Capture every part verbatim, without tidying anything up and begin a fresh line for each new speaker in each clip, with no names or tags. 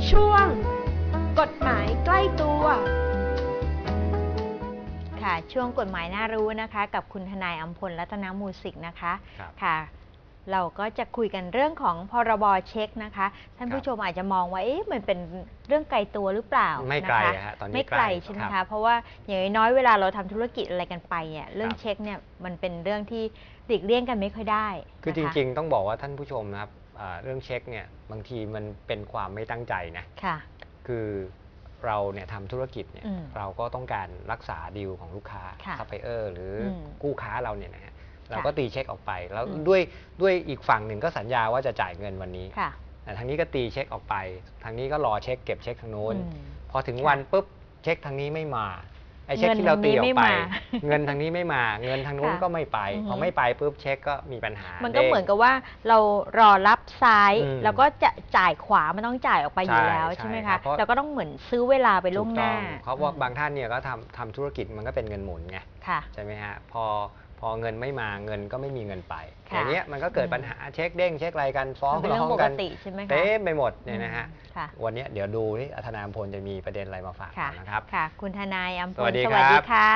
ช่วงกฎหมายใกล้ตัว
ค่ะช่วงกฎหมายน่ารู้นะคะกับคุณทนายอัมพลรัตนมูสิกนะคะค่ะเราก็จะคุยกันเรื่องของพรบเช็คนะคะท่านผู้ชมอาจจะมองว่าเอ๊ะมันเป็นเรื่องไกลตัวหรือเปล่า
ไม่ไกลฮะตอนนี้
ไม่ไกลใช่ไหมคะเพราะว่าอย่างน้อยเวลาเราทำธุรกิจอะไรกันไปเนี่ยเรื่องเช็คเนี่ยมันเป็นเรื่องที่หลีกเลี่ยงกันไม่ค่อยได้
คือจริงๆต้องบอกว่าท่านผู้ชมนะครับเรื่องเช็คเนี่ยบางทีมันเป็นความไม่ตั้งใจนะค่ะคือเราเนี่ยทำธุรกิจเนี่ยเราก็ต้องการรักษาดีลของลูกค้าซัพพลายเออร์หรือกู้ค้าเราเนี่ยนะฮะเราก็ตีเช็คออกไปแล้วด้วยด้วยอีกฝั่งหนึ่งก็สัญญาว่าจะจ่ายเงินวันนี้แต่ทางนี้ก็ตีเช็คออกไปทางนี้ก็รอเช็คเก็บเช็คทางโน้นพอถึงวันปุ๊บเช็คทางนี้ไม่มาไอ้เช็คที่เราตีออกไปเงินทางนี้ไม่มาเงินทางโน้นก็ไม่ไปพอไม่ไปปุ๊บเช็คก็มีปัญหา
มันก็เหมือนกับว่าเรารอรับซ้ายแล้วก็จะจ่ายขวามันต้องจ่ายออกไปอยู่แล้วใช่ไหมคะเราก็ต้องเหมือนซื้อเวลาไปล่วงหน้า
เพราะว่าบางท่านเนี่ยก็ทำทำธุรกิจมันก็เป็นเงินหมุนไงใช่ไหมฮะพอพอเงินไม่มาเงินก็ไม่มีเงินไปอย่างเงี้ยมันก็เกิดปัญหาเช็คเด้งเช็คอะไรกันฟ้องร้องกันเต็มไปหมดเนี่ยนะฮะวันนี้เดี๋ยวดูที่ทนายอัมพลจะมีประเด็นอะไรมาฝากนะครับ
ค่ะคุณทนายอัมพลส
วัสดี
ค่ะ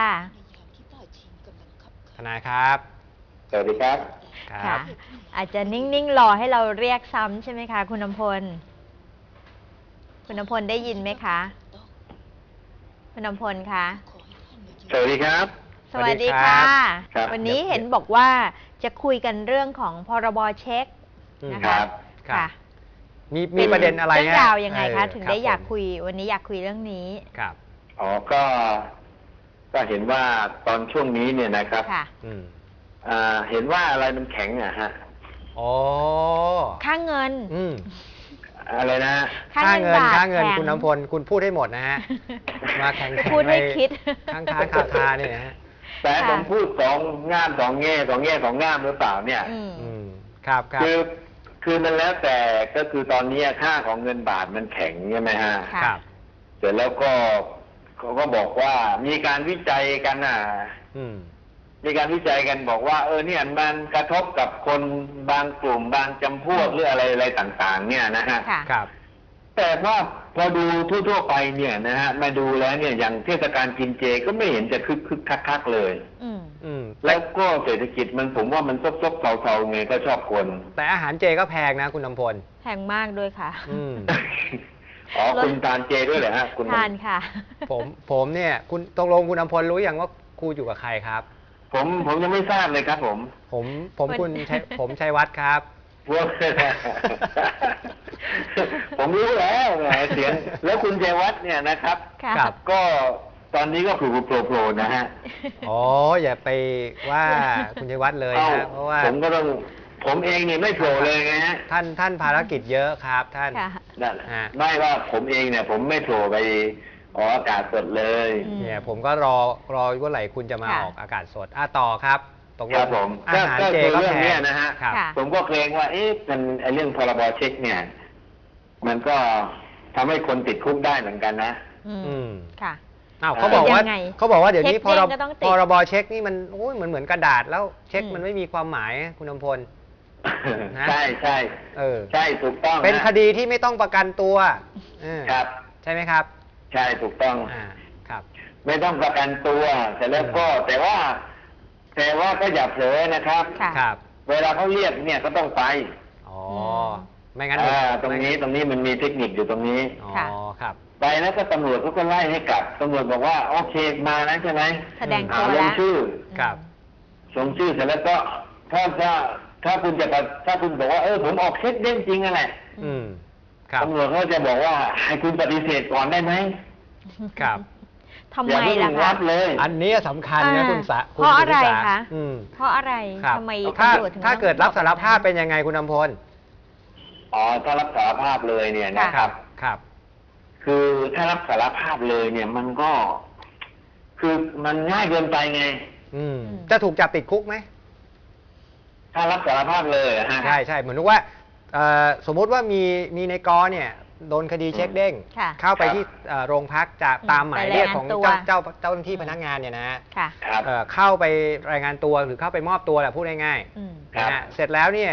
ทนายครับ
สวัสดีครับ
ค่ะอาจจะนิ่งๆรอให้เราเรียกซ้ำใช่ไหมคะคุณอัมพลคุณอัมพลได้ยินไหมคะคุณอัมพลคะ
สวัสดีครับ
สวัสดีค่ะวันนี้เห็นบอกว่าจะคุยกันเรื่องของพรบเช็คนะคะค่ะ
มีมีประเด็นอะไร
เรื่องราวยังไงคะถึงได้อยากคุยวันนี้อยากคุยเรื่องนี้
ครับ
อ๋อก็ก็เห็นว่าตอนช่วงนี้เนี่ยนะครับ
ค่ะ
เห็นว่าอะไรมันแข็งอะฮะ
อ๋อ
ค่าเงิน
อืม
อะไรนะ
ค่าเงินค่าเงินคุณน้ำพลคุณพูดให้หมดนะฮะมาแข่ง
พูดให้คิด
ข้างค้าคาคาเนี่ยนะฮะ
แต่ผมพูดสองง่ามสองแง่สองแง่สองง่ามหรือเปล่าเนี่ย
อืมครับครับ
คือคือมันแล้วแต่ก็คือตอนนี้ค่าของเงินบาทมันแข็งใช่ไหมฮะ
ครับ
เสร็จแล้วก็เขาก็บอกว่ามีการวิจัยกันอ่ะมีการวิจัยกันบอกว่าเออเนี่ยมันกระทบกับคนบางกลุ่มบางจำพวกหรืออะไรอะไรต่างๆเนี่ยนะฮะ
ครับ
แต่ว่าพอดูทั่วๆไปเนี่ยนะฮะมาดูแล้วเนี่ยอย่างเทศกาลกินเจก็ไม่เห็นจะคึกคึกคักๆเลย
อืม
อืม
แล้วก็เศรษฐกิจมันผมว่ามันซบๆเซาๆไงก็ชอบคน
แต่อาหารเจก็แพงนะคุณน้ำพล
แพงมากด้วยค่ะ
อืม
อ๋อคุณทานเจด้วยเหรอฮะคุณ
ทานค่ะ
ผมผมเนี่ยคุณตกลงคุณน้ำพลรู้อย่างว่าครูอยู่กับใครครับ
ผมผมยังไม่ทราบเลยครับผม
ผมผมคุณผมชัยวัฒน์ครับ
ผมรู้แล้วเสียงแล้วคุณชัยวัฒน์เนี่ยนะครับก็ตอนนี้ก็ผูกโผล่ๆนะฮะ
อ๋ออย่าไปว่าคุณชัยวัฒน์เลยนะเพราะว่า
ผมก็ต้องผมเองเนี่ยไม่โผล่เลยไงฮะ
ท่านท่านภารกิจเยอะครับท่าน
นั่นไม่ว่าผมเองเนี่ยผมไม่โผล่ไปออกอากาศสดเลย
เนี่ยผมก็รอรอว่าไหร่คุณจะมาออกอากาศสดอ่ะต่อครับตกลง
ผม
อาหารเจก็แพง
นะฮะผมก็เกรงว่าเอ๊ะมันไอ้เรื่องพรบเช็คเนี่ยมันก็ทำให้คนติดคุกได้เหมือนกันนะ
อืม
ค่ะ
อ้าวเขาบอกว่าเขาบอกว่าเดี๋ยวนี้พรบพรบเช็คนี่มันโอ้ยเหมือนเหมือนกระดาษแล้วเช็คมันไม่มีความหมายคุณอมพล
ใช่ใช่
เออ
ใช่ถูกต้อง
เป็นคดีที่ไม่ต้องประกันตัว
ครับ
ใช่ไหมครับ
ใช่ถูกต้อง
อ่าครับ
ไม่ต้องประกันตัวแต่แล้วก็แต่ว่าแต่ว่าก็อย่าเผลอนะครับ
ครับ
เวลาเขาเรียกเนี่ยก็ต้องไป
อ๋อไม่งั้น
ตรงนี้ตรงนี้มันมีเทคนิคอยู่ตรงนี้
อ๋อครับ
ไปแล้วก็ตำรวจก็ไล่ให้กลับตำรวจบอกว่าโอเคมาแล้วใช่ไหม
แสดงตัว
ลงชื่อ
ครับ
ลงชื่อเสร็จแล้วก็ถ้าถ้าถ้าคุณจะถ้าคุณบอกว่าเออผมออกเช็คเด้งจริงอะไร
อืมครับ
ตำรวจก็จะบอกว่าให้คุณปฏิเสธก่อนได้ไหม
ครับ
ทำไมล่ะคะ
อันนี้สำคัญนะคุณสะ
เพราะอะไรคะเพราะอะไรทำไม
ถ้าถ้าเกิดรับสารภาพเป็นยังไงคุณอำพล
อ๋อถ้ารับสารภาพเลยเนี่ยนะครับ
ครับ
คือถ้ารับสารภาพเลยเนี่ยมันก็ คือมันง่ายเกินไปไง
อืมจะถูกจับติดคุกไหม
ถ้ารับสารภาพเลยฮะ
ใช่ใช่เหมือนว่าสมมุติว่ามีมีในกอเนี่ยโดนคดีเช็คเด้งเข้าไปที่โรงพักจะตามหมายเรียกของเจ้าเจ้าเจ้าหน้าที่พนักงานเนี่ยนะเข้าไปรายงานตัวหรือเข้าไปมอบตัวแหละพูดง่ายๆนะฮะเสร็จแล้วเนี่ย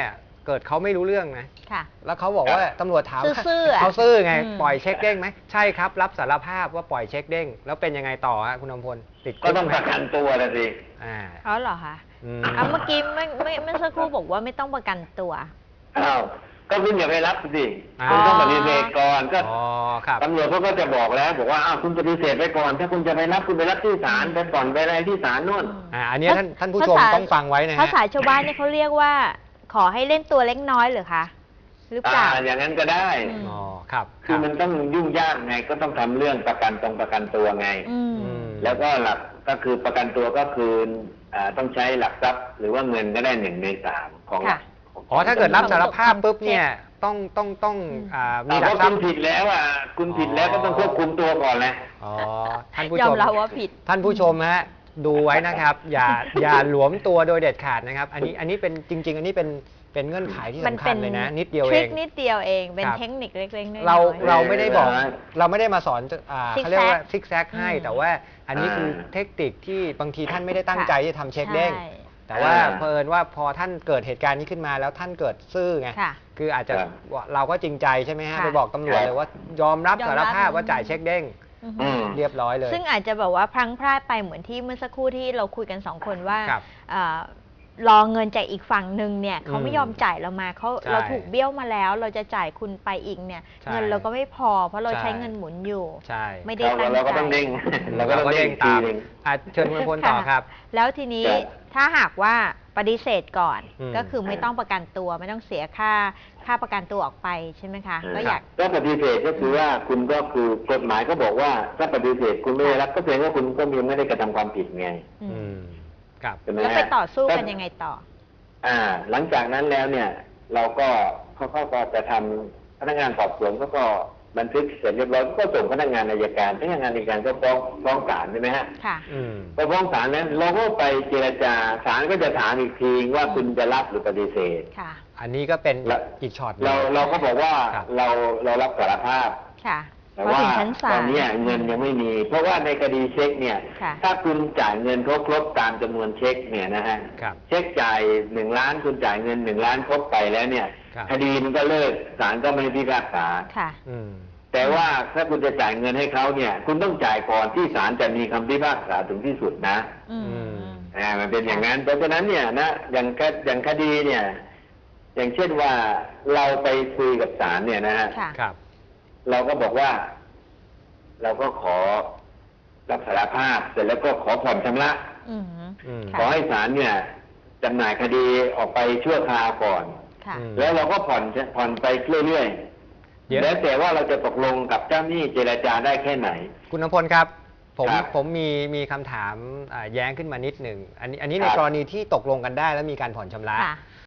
เกิดเขาไม่รู้เรื่องนะ
ค่ะ
แล้วเขาบอกว่าตำรวจถาม
ซื่อๆอะ
เขาซื่อไง
อืม
ปล่อยเช็คเด้งไหมใช่ครับรับสารภาพว่าปล่อยเช็คเด้งแล้วเป็นยังไงต่อฮะคุณอมพลติดคุ
ก็ต้องประกันตัวนะสิ
อ่า
อ๋อเหรอคะ
อืม
อ่ะเมื่อกี้เมื่อเมื่อเมื่อสักครู่บอกว่าไม่ต้องประกันตัว
อ้าวก็คุณอย่าไปรับสิ
อ่า
คุณต้องปฏิเสธก่อนก็
อ๋อครับ
ตำรวจเขาก็จะบอกแล้วบอกว่าอ้าวคุณปฏิเสธไปก่อน ถ้าคุณจะไปรับคุณไปรับที่ศาลไปก่อนไปอะไรที่ศาลนู่น
อ่าอันเนี้ยท่านท่านผู้ชม
ภาษา
ต้องฟังไว้นะฮะ
ภาษาชาวบ้านเนี่ยเขาเรียกว่า ขอให้เล่นตัวเล็กน้อยเหรือคะหรือเป
อ่า
ล่า
อย่างนั้นก็ได้
อืม
อ๋อครับค
คื
รั
อบ มันต้องยุ่งยากไงก็ต้องทำเรื่องประกันตรงประกันตัวไง
อืม
อืม
แล้วก็หลักก็คือประกันตัวก็คืออ่าต้องใช้หลักทรัพย์หรือว่าเงินก็ได้หนึ่งในสามของหลัก
อ๋อถ้าเกิดรับสารภาพปุ๊บเนี่ยต้องต้องต้องอ่ามี
มี
หลั
ถ้าก
ทรั
คุ
พ
ณ
ย์
ผิดแล้วอ่ะคุณผิดแล้วก็ต้องควบคุมตัวก่อนแหละ
อ๋อท่านผู้
ย
ช
อม
ม
รับว่าผิด
ท่านผู้ชมฮะดูไว้นะครับ อย่าอย่าหลวมตัวโดยเด็ดขาดนะครับ อันนี้อันนี้เป็นจริง ๆ อันนี้เป็นเป็นเงื่อนไขที่
มัน
สำ
เป็
คัญ
น
เลยนะ นิดเดียว
ท
เอ
ริค
ง
นิดเดียวเอง เป็น
ครับ
เทคนิคเล็กๆน้อยๆ
เราเราไม่ได้บอก
เออ
เราไม่ได้มาสอนอ่า
ซิกแซก
เขาเรียกว่าซิกแซกให้
อืม
แต่ว่าอันนี้คือเทคนิคที่บางทีท่านไม่ได้ตั้งใจที่จะทำเช็คเด้ง
ใช่
แต่ว่า
อ่า
เผอิญว่าพอท่านเกิดเหตุการณ์นี้ขึ้นมาแล้วท่านเกิดซื่อไง
ค่ะ
คืออาจจะ
ครับ
เราก็จริงใจใช่ไหมฮะ
ค่ะ
ไปบอกตำรวจ
ครับ
เลยว่ายอมรับ
ยอม
สา
รั
ร
บ
ภาพว่าจ่ายเช็คเด้ง
อือฮึ
อืม
เรียบร้อยเลย
ซึ่งอาจจะแบบว่าพลังพลาดไปเหมือนที่เมื่อสักครู่ที่เราคุยกันสองคนว่า
ครับ
เอ่อรอเงินจากอีกฝั่งหนึ่งเนี่ยเขาไม่
อืม
ยอมจ่ายเรามาเขา
ใช่
เราถูกเบี้ยวมาแล้ว เราจะจ่ายคุณไปอีกเนี่ย
ใช่
เงินเราก็ไม่พอ เพราะเรา
ใช่
ใช้เงินหมุนอยู่
ใช่
ไม่ได้
เรา
ตั้ง
เราก็
ใจ
ต้องเด้ง เราก็
เรา
ต้อง
ก็
เด้
เด้
ง
ง
ที
ตาม
หนึ่ง
อ่ะเชิญคุณพลต่อครับ
แล้วทีนี้
ครับ
ถ้าหากว่าปฏิเสธก่อน
อืม
ก็คือไม่ต้องประกันตัวไม่ต้องเสียค่าค่าประกันตัวออกไปใช่ไหมคะ ก็อยาก
ก็ปฏิเสธก็คือว่าคุณก็คือกฎหมายก็บอกว่าถ้าปฏิเสธคุณไม่ได้รับก็แสดงว่าคุณก็มีไม่ได้กระทำความผิดไง
อืม
อืมครับ
ใช่ไหม
แล้ว
ฮะ
ไปต่อสู้กันยังไงต่อ
อ่า หลังจากนั้นแล้วเนี่ย เราก็เขาเขาก็จะทำพนักงานสอบสวนก็ก็บันทึกเสร็จเรียบร้อยก็ส่งพนักงานอัยการพนักงานอัยการก็ฟ้องฟ้องศาลใช่ไหมฮะ
ค่ะ
อืม
พอฟ้องศาลนั้นเราก็ไปเจรจาศาลก็จะถามอีกทีว่าคุณจะรับหรือปฏิเสธ
ค่ะ
อันนี้ก็เป็น
แล้ว
อีกช็อตหนึ่ง
เราเราก็บอกว่า
ครับ
เราเรารับสารภาพ
ค่ะ
แต่
พอ
ว่า
ถึงชั้นศา
ต
ล
อนเนี้ยเงินยังไม่มี เพราะว่าในคดีเช็คเนี่ย
ค่ะ
ถ้าคุณจ่ายเงินครบครบตามจำนวนเช็คเนี่ยนะฮะ
ครับ
เช็คจ่ายหนึ่งล้านคุณจ่ายเงินหนึ่งล้านครบไปแล้วเนี่ย
ครับ
คดีมันก็เลิกศาลก็ไม่พิพากษา
ค่ะ
อืม
แต่ว่าถ้าคุณจะจ่ายเงินให้เขาเนี่ย คุณต้องจ่ายก่อนที่ศาลจะมีคำพิพากษาถึงที่สุดนะ
อืม
อืม
อ่ามันเป็นอย่างนั้น เพราะฉะนั้นเนี่ยนะอย่างคอย่างคดีเนี่ย อย่างเช่นว่าเราไปคุยกับศาลเนี่ยนะฮะ
ค่ะ
ครับ
เราก็บอกว่า เราก็ขอรับสารภาพเสร็จแล้วก็ขอผ่อนชำระ
อืม
อืม
ข
ค่ะ
อให้ศาลเนี่ยจำหน่ายคดีออกไปชั่วคราวก่อน
ค่ะ
อืม
แล้วเราก็ผ่อนผ่อนไปเรื่อย
เดี๋ยว
ๆแล้วแต่ว่าเราจะตกลงกับเจ้าหนี้เจรจาได้แค่ไหน
คุณนพลครับ ผม
ครับ
ผมมีมีคำถามอ่าแย้งขึ้นมานิดหนึ่งอันนี้อันนี้ใน
ครับ
กรณีที่ตกลงกันได้แล้วมีการผ่อนชำระ
ค่ะ